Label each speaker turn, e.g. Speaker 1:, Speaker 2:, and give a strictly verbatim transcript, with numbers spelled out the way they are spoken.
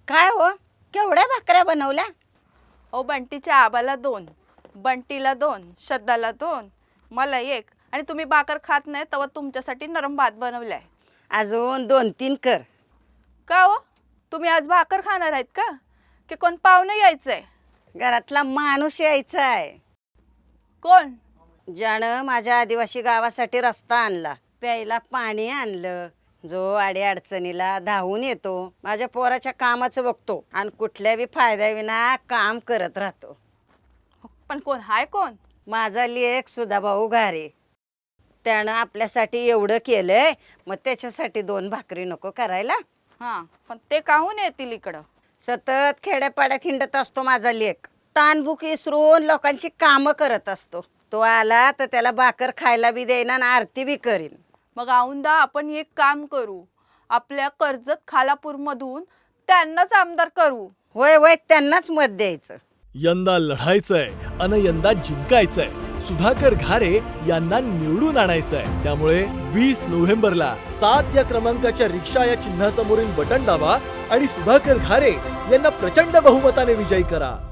Speaker 1: काय हो, केवढ्या भाकऱ्या बनवल्या?
Speaker 2: ओ बंटीच्या आबाला दोन, बंटीला दोन, श्रद्धाला दोन, मला एक. आणि तुम्ही भाकर खात नाही तेव्हा तुमच्यासाठी नरम भात बनवलाय.
Speaker 1: अजून दोन तीन कर.
Speaker 2: का हो, तुम्ही आज भाकर खाणार आहेत का की कोण पाहुणे यायचंय?
Speaker 1: घरातला माणूस यायचा आहे.
Speaker 2: कोण?
Speaker 1: ज्यानं माझ्या आदिवासी गावासाठी रस्ता आणला, प्यायला पाणी आणलं, जो आडी अडचणीला धावून येतो, माझ्या पोराच्या कामाचं बघतो आणि कुठल्याही फायद्याविना काम करत राहतो.
Speaker 2: पण कोण हाय कोण?
Speaker 1: माझा लेक सुधाभाऊ घारे. त्यानं आपल्यासाठी एवढं केलंय, मग त्याच्यासाठी दोन भाकरी नको करायला?
Speaker 2: हां, पण ते काहून येतील इकडं?
Speaker 1: सतत खेड्यापाड्यात हिंडत असतो माझा लेक. तानभूक विसरून लोकांची कामं करत असतो. तो आला तर त्याला भाकर खायला बी देईना आणि आरती बी करीन.
Speaker 2: मग औंदा आपण एक काम करू, आपल्या कर्जत खालापूरमधून त्यांनाच आमदार करू.
Speaker 1: होय होय, त्यांनाच मत द्यायचं.
Speaker 3: यंदा लढायचंय अन यंदा जिंकायचंय. सुधाकर घारे यांना निवडून आणायचंय. त्यामुळे वीस नोव्हेंबरला सात या क्रमांकाच्या रिक्षा या चिन्हासमोरील बटन दाबा आणि सुधाकर घारे यांना प्रचंड बहुमताने विजयी करा.